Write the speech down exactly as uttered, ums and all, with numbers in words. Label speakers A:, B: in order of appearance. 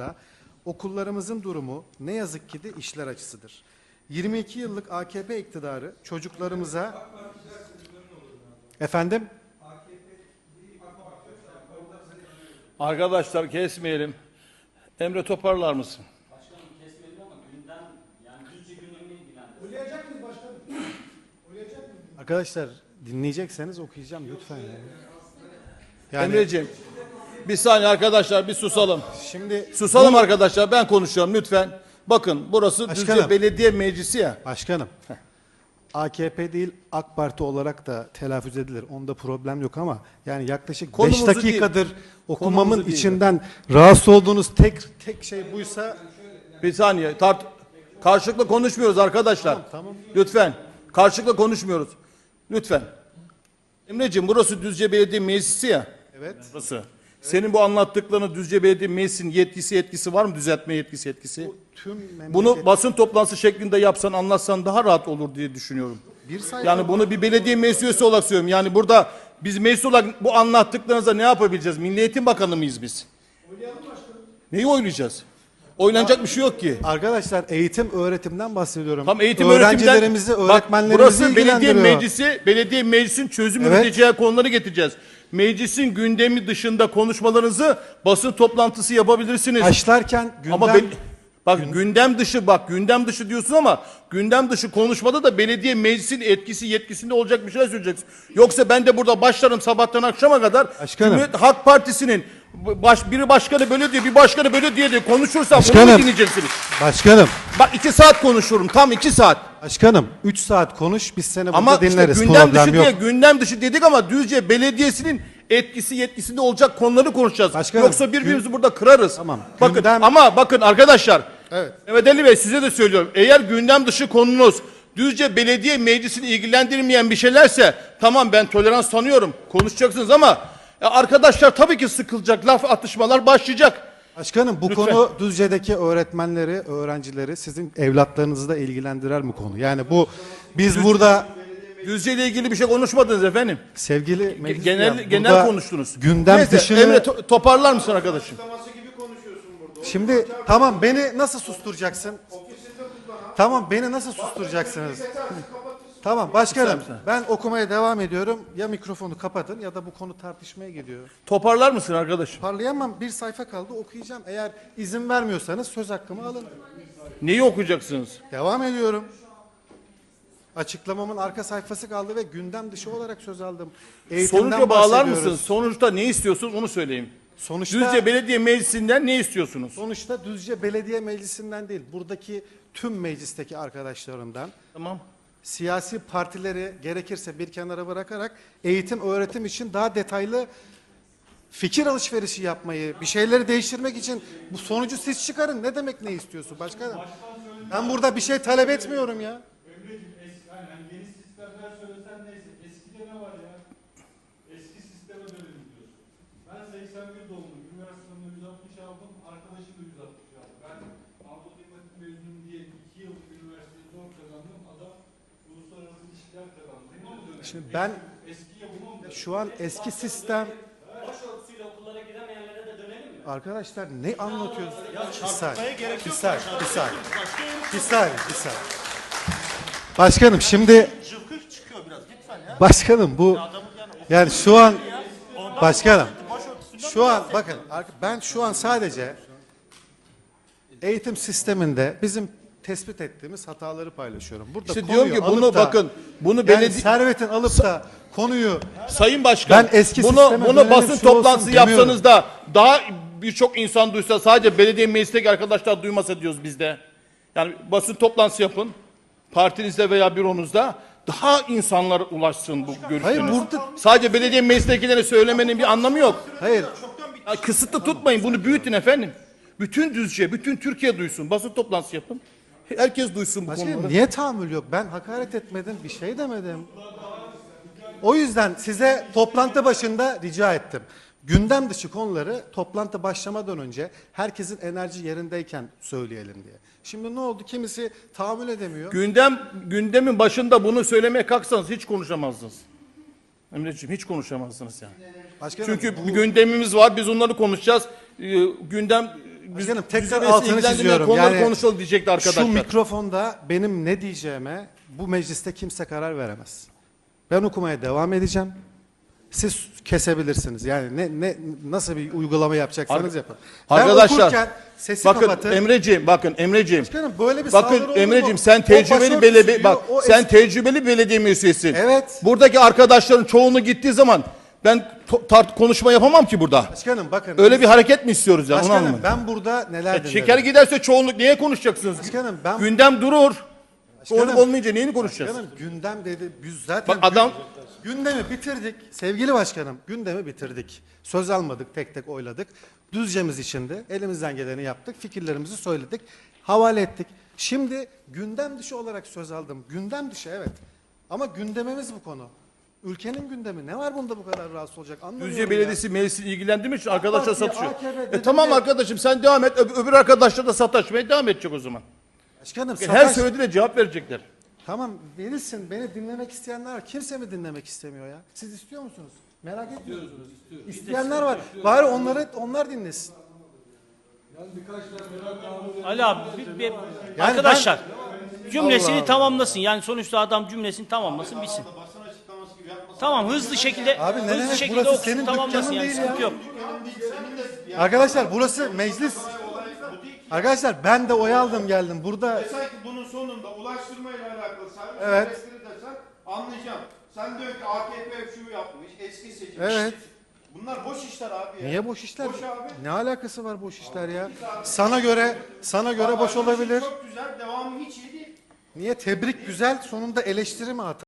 A: baktığımızda okullarımızın durumu ne yazık ki de işler acısıdır. yirmi iki yıllık A K P iktidarı çocuklarımıza efendim
B: Arkadaşlar kesmeyelim. Emre toparlar mısın?
C: Başkanım kesmeyelim ama gündem yani Düzce gündemini ilgilendirir.
D: Uyuyacak mıyız başkanım? Uyuyacak mıyız?
A: arkadaşlar dinleyecekseniz okuyacağım lütfen. Yani. Yani
B: Emreciğim bir saniye arkadaşlar bir susalım.
A: şimdi
B: Susalım
A: bu-
B: arkadaşlar ben konuşuyorum lütfen. Bakın burası
A: Başkanım.
B: Düzce Belediye Meclisi ya.
A: Başkanım, A K P değil AK Parti olarak da telaffuz edilir. Onda problem yok ama yani yaklaşık beş
B: Konumuzu
A: dakikadır
B: değil.
A: okumamın
B: Konumuzu değil.
A: içinden rahatsız olduğunuz tek tek şey buysa
B: Bir saniye tart karşılıklı konuşmuyoruz arkadaşlar.
A: Tamam, tamam.
B: Lütfen karşılıklı konuşmuyoruz. Lütfen. Emreciğim burası Düzce Belediye Meclisi ya.
A: evet.
B: Burası. Senin bu anlattıklarını Düzce Belediye Meclisi'nin yetkisi yetkisi var mı? Düzeltme yetkisi yetkisi.
A: Bu tüm memleket
B: Bunu basın toplantısı şeklinde yapsan anlatsan daha rahat olur diye düşünüyorum.
A: bir sayfa
B: Yani bunu bir belediye meclis üyesi olarak söylüyorum. Yani burada biz meclis olarak bu anlattıklarınıza ne yapabileceğiz? Milli Eğitim Bakanı mıyız biz? Neyi oylayacağız? Oynanacak bir şey yok ki.
A: arkadaşlar eğitim öğretimden bahsediyorum.
B: Tam eğitim
A: öğrencilerimizi,
B: öğretimden, bak
A: öğretmenlerimizi
B: burası belediye
A: ilgilendiriyor.
B: meclisi, belediye meclisin çözüm
A: Evet.
B: üreteceği konuları getireceğiz. Meclisin gündemi dışında konuşmalarınızı basın toplantısı yapabilirsiniz.
A: Başlarken gündem
B: Ama be- bak gündem dışı bak gündem dışı diyorsun ama gündem dışı konuşmada da belediye meclisin etkisi yetkisinde olacak bir şeyler söyleyeceksin. Yoksa ben de burada başlarım sabahtan akşama kadar
A: Başkanım.
B: Cumhuriyet Halk Partisi'nin baş, biri başkanı böyle diyor bir başkanı böyle diye de konuşursam bunu
A: Başkanım.
B: mu dinleyeceksiniz?
A: başkanım,
B: Bak iki saat konuşurum tam iki saat.
A: başkanım üç saat konuş biz seni burada
B: Ama işte
A: dinleriz.
B: gündem
A: Problem
B: dışı
A: yok.
B: diye gündem dışı dedik ama Düzce Belediyesi'nin etkisi yetkisinde olacak konuları konuşacağız.
A: Başkanım,
B: Yoksa birbirimizi burada kırarız.
A: Tamam,
B: Bakın
A: gündem-
B: ama bakın arkadaşlar.
A: Evet.
B: Mehmet Ali Bey size de söylüyorum. Eğer gündem dışı konunuz Düzce Belediye Meclisi'ni ilgilendirmeyen bir şeylerse tamam ben tolerans tanıyorum. Konuşacaksınız ama e, arkadaşlar tabii ki sıkılacak. Laf atışmalar başlayacak.
A: Başkanım bu
B: Lütfen.
A: konu Düzce'deki öğretmenleri, öğrencileri, sizin evlatlarınızı da ilgilendirer mi konu? Yani bu biz burada
B: Düzce ile ilgili bir şey konuşmadınız efendim.
A: sevgili meclis
B: Genel
A: üyem,
B: genel
A: burada
B: konuştunuz.
A: Gündem
B: Neyse,
A: dışını
B: Emre to- toparlar mısın arkadaşım?
A: şimdi tamam beni nasıl susturacaksın? Tamam beni nasıl susturacaksınız? Tamam başkanım
B: Güzel, güzel.
A: ben okumaya devam ediyorum. Ya mikrofonu kapatın ya da bu konu tartışmaya gidiyor.
B: Toparlar mısın arkadaşım?
A: Parlayamam bir sayfa kaldı okuyacağım. Eğer izin vermiyorsanız söz hakkımı alın.
B: Neyi okuyacaksınız?
A: Devam ediyorum. Açıklamamın arka sayfası kaldı ve gündem dışı olarak söz aldım. Eğitimden
B: Sonuca bağlar
A: bahsediyoruz.
B: mısınız? Sonuçta ne istiyorsunuz onu söyleyeyim.
A: Sonuçta,
B: Düzce Belediye Meclisi'nden ne istiyorsunuz?
A: sonuçta Düzce Belediye Meclisi'nden değil, buradaki tüm meclisteki arkadaşlarımdan,
B: Tamam.
A: siyasi partileri gerekirse bir kenara bırakarak eğitim öğretim için daha detaylı fikir alışverişi yapmayı, bir şeyleri değiştirmek için bu sonucu siz çıkarın. Ne demek ne istiyorsun başkanım? Ben burada bir şey talep etmiyorum ya.
D: Emreciğim eski, aynen yeni sistemler söylesen neyse. Eskide ne var ya? Eski sisteme dönelim diyorsun. Ben seksen bir doğumluyum. Üniversitemde yüz altmış aldım. Arkadaşım da yüz altmış aldı. Ben Anadolu Teknik mezunuyum diye iki yıllık üniversiteyi zor kazandım. Adam uluslararası ilişkiler kazandı. Buna mı dönelim?
A: Şimdi ben
D: Eskiye buna mı dönelim?
A: şu an eski sistem
C: Başörtüsüyle okullara gidemeyenlere de dönelim mi?
A: arkadaşlar ne anlatıyorsunuz? Bir saniye, bir saniye, bir saniye, bir saniye, bir saniye. Başkanım şimdi başkanım bu yani şu an başkanım şu an bakın ben şu an sadece eğitim sisteminde bizim tespit ettiğimiz hataları paylaşıyorum. Burada
B: İşte
A: konuyu
B: diyorum ki
A: alıp
B: bunu
A: da-
B: bakın. Bunu
A: yani
B: belediye
A: servetin alıp da konuyu
B: Sayın Başkan
A: Ben eski
B: bunu
A: sisteme
B: bunu
A: dönelim,
B: basın
A: şu olsun
B: toplantısı
A: demiyorum.
B: yapsanız da daha birçok insan duysa sadece belediye meclisteki arkadaşlar duymasa diyoruz biz de. Yani basın toplantısı yapın. Partinizde veya büronuzda daha insanlara ulaşsın bu görüşleriniz.
A: Hayır, burada-
B: Sadece belediye meclisindekilere söylemenin bir anlamı yok.
A: hayır
B: Ya kısıtlı tutmayın bunu büyütün efendim. Bütün Düzce, bütün Türkiye duysun. Basın toplantısı yapın. Herkes duysun bu
A: Başkanım
B: konuları.
A: niye tahammül yok? Ben hakaret etmedim, bir şey demedim. O yüzden size toplantı başında rica ettim. Gündem dışı konuları toplantı başlamadan önce herkesin enerji yerindeyken söyleyelim diye. Şimdi ne oldu? Kimisi tahammül edemiyor.
B: Gündem gündemin başında bunu söylemeye kalksanız hiç konuşamazdınız. Emreciğim hiç konuşamazdınız yani.
A: Başkanım,
B: Çünkü
A: bu-
B: bir gündemimiz var. Biz onları konuşacağız. Ee, gündem
A: Başkanım, tekrar
B: düzenlemesi
A: altını
B: ilgilendirmeyen
A: çiziyorum.
B: konuları
A: Yani
B: konuşalım diyecekti arkadaşlar.
A: Şu mikrofonda benim ne diyeceğime bu mecliste kimse karar veremez. Ben okumaya devam edeceğim. Siz kesebilirsiniz. Yani ne ne nasıl bir uygulama yapacaksanız
B: Ar-
A: yapın.
B: Arkadaşlar,
A: ben okurken sesi
B: Bakın
A: kapatın.
B: Emreciğim, bakın Emreciğim.
A: Başkanım, böyle bir saldırı
B: Bakın
A: olur mu?
B: Emreciğim, sen
A: O
B: tecrübeli
A: başörtüsü
B: belediye
A: diyor,
B: bak
A: o
B: sen
A: eski-
B: tecrübeli belediye müessesisin.
A: Evet.
B: Buradaki arkadaşların çoğunu gittiği zaman ben to- tart konuşma yapamam ki burada.
A: Başkanım bakın.
B: Öyle bir hareket mi istiyoruz yani onu
A: Başkanım
B: anlamadım.
A: ben burada neler
B: E,
A: dinledim.
B: şeker giderse çoğunluk niye konuşacaksınız?
A: Başkanım, ben-
B: Gündem durur.
A: Başkanım-
B: Çoğunluk olmayınca neyini konuşacağız?
A: Başkanım gündem dedi. Biz zaten
B: Bak adam-
A: gün- gündemi bitirdik. Sevgili başkanım, gündemi bitirdik. Söz almadık, tek tek oyladık. Düzcemiz içinde elimizden geleni yaptık. Fikirlerimizi söyledik. Havale ettik. Şimdi gündem dışı olarak söz aldım. Gündem dışı evet. Ama gündemimiz bu konu. Ülkenin gündemi. Ne var bunda bu kadar rahatsız olacak? Anlamıyorum
B: Düzce
A: ya.
B: Belediyesi meclisi ilgilendirmek için arkadaşlar
A: Parti,
B: satışıyor.
A: A K P
B: E
A: dedim
B: tamam
A: de-
B: arkadaşım sen devam et. Öb- öbür arkadaşlar da sataşmaya devam edecek o zaman.
A: Başkanım
B: Her
A: savaş...
B: söylediğine cevap verecekler.
A: Tamam verilsin. Beni dinlemek isteyenler var. Kimse mi dinlemek istemiyor ya? Siz istiyor musunuz? Merak etmiyor musunuz? İsteyenler var. Bari onları onlar dinlesin.
E: Ali abi bir- bir- arkadaşlar cümlesini
A: Allah.
E: tamamlasın. Yani sonuçta adam cümlesini tamamlasın bitsin. Tamam hızlı şekilde
A: Abi ne
E: hızlı
A: demek?
E: şekilde
A: Burası
E: okusun
A: senin
E: tamamlasın
A: dükkanın
E: yani
A: değil
E: sıkıntı
A: ya.
E: yok.
A: Arkadaşlar burası meclis. Arkadaşlar ben de oy aldım geldim. Burada
F: Desen ki bunun sonunda ulaştırma ile alakalı servis
A: Evet.
F: ücretleri desen anlayacağım. Sen diyor ki A K P şu yapmış, eski seçim.
A: Evet.
F: Bunlar boş işler abi ya.
A: niye boş işler?
F: Boş abi.
A: Ne alakası var boş işler ya? Sana göre sana göre boş olabilir.
F: Çok güzel, devamı hiç iyi değil.
A: Niye tebrik güzel sonunda eleştiri mi atar?